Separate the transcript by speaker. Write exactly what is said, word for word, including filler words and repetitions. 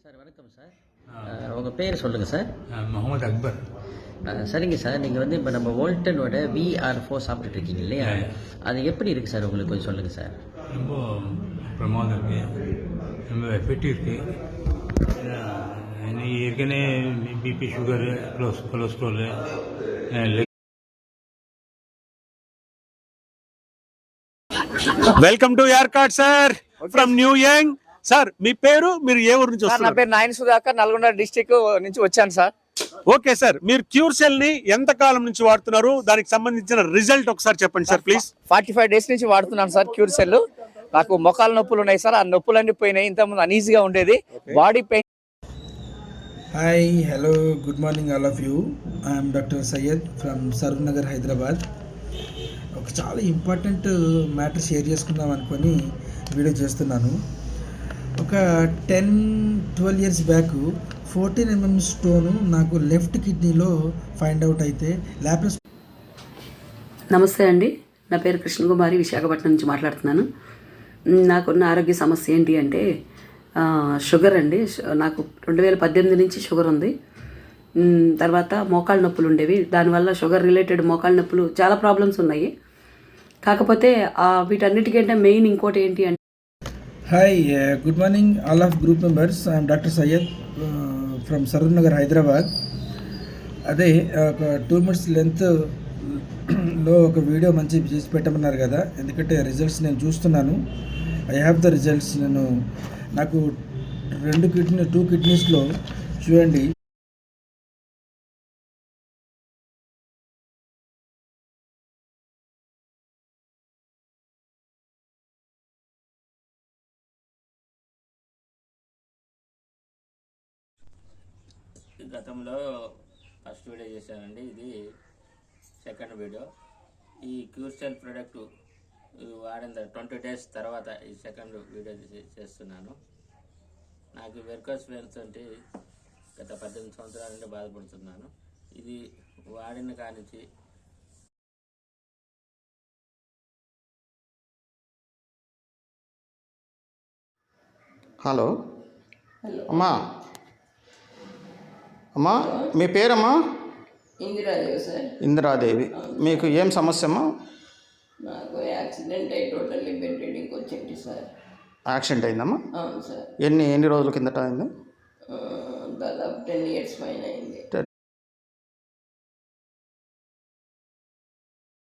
Speaker 1: Sir வணக்கம் sir. உங்கள் பேர் சொல்லுங்கள் சார்.
Speaker 2: முகமது அக்பர்.
Speaker 1: சரிங்க சார், நீங்கள் வந்து இப்போ நம்ம வோல்டனோட விஆர் ஃபோர் சாப்பிட்டுட்டு இருக்கீங்க இல்லையா, அது எப்படி இருக்குது சார் உங்களுக்கு கொஞ்சம் சொல்லுங்கள் சார்.
Speaker 2: ரொம்ப பிரமாதம் இருக்குது, ரொம்ப எஃபெக்டிவ் இருக்குது. ஏற்கனவே BP, sugar, cholesterol,
Speaker 3: welcome to your card sir from new young. Sir మీ పేరు, మీరు ఏ ఊరు నుంచి వస్తారు?
Speaker 4: నా పేరు నాయన సుధాకర్, నల్గొండ డిస్ట్రిక్ట్ నుంచి వచ్చాను సార్.
Speaker 3: ఓకే సార్, మీరు క్యూర్ సెల్ ని ఎంత కాలం నుంచి వాడుతున్నారు, దానికి సంబంధించిన రిజల్ట్ ఒకసారి చెప్పండి sir please.
Speaker 4: Forty five days నుంచి వాడుతున్నాను సార్ క్యూర్ సెల్. నాకు మొఖాల నొప్పులు ఉన్నాయి సార్, ఆ నొప్పులన్నీ పోయినాయి. ఇంతకుముందు అనీజీగా ఉండేది, body pain.
Speaker 5: Hi, hello, good morning all of you. I'm doctor Syed from Saroor Nagar, Hyderabad. ఒక చాలా ఇంపార్టెంట్ మ్యాటర్ షేర్ చేసుకుందాం అనుకొని వీడియో చేస్తున్నాను. ఒక ten twelve years back fourteen mm stone నాకు లెఫ్ట్ కిడ్నీలో ఫైండ్ అవుట్ అయితే ల్యాప్రస్.
Speaker 6: నమస్తే అండి, నా పేరు కృష్ణకుమారి, విశాఖపట్నం నుంచి మాట్లాడుతున్నాను. నాకున్న ఆరోగ్య సమస్య ఏంటి అంటే షుగర్ అండి. నాకు రెండు వేల పద్దెనిమిది నుంచి షుగర్ ఉంది. తర్వాత మోకాళ్ళ నొప్పులు ఉండేవి, దానివల్ల షుగర్ రిలేటెడ్ మోకాళ్ళ నొప్పులు చాలా ప్రాబ్లమ్స్ ఉన్నాయి. కాకపోతే వీటన్నిటికంటే మెయిన్ ఇంకోటి ఏంటి అంటే.
Speaker 5: Hi, good morning all of group members. I'm doctor Syed from Saroor Nagar, Hyderabad. అదే ఒక టూ మినిట్స్ లెంత్లో ఒక వీడియో మంచి చేసి పెట్టమన్నారు కదా, ఎందుకంటే రిజల్ట్స్ నేను చూస్తున్నాను. I have the results. నేను నాకు రెండు కిడ్నీ టూ కిడ్నీస్లో చూడండి,
Speaker 7: గతంలో ఫస్ట్ వీడియో చేశానండి, ఇది సెకండ్ వీడియో. ఈ క్యూర్ సెల్ ప్రోడక్ట్ వాడిన ట్వంటీ డేస్ తర్వాత ఈ సెకండ్ వీడియో చేస్తున్నాను. నాకు వెర్కోస్ వెయిన్స్ అంటే గత పద్దెనిమిది సంవత్సరాల నుండి బాధపడుతున్నాను. ఇది వాడిన కానించి
Speaker 8: హలో అమ్మా, అమ్మా మీ పేరమ్మా?
Speaker 9: ఇందిరాదేవి సార్.
Speaker 8: ఇందిరాదేవి, మీకు ఏం సమస్య అమ్మా?
Speaker 9: నాకు యాక్సిడెంట్ అయ్యి టోటల్లీ బెడ్ రెడీకి వచ్చింది సార్.
Speaker 8: యాక్సిడెంట్ అయిందమ్మా?
Speaker 9: అవును సార్.
Speaker 8: ఎన్ని ఎన్ని రోజుల కిందట అయింది?
Speaker 9: దాదాపు టెన్ ఇయర్స్ పైన అయింది.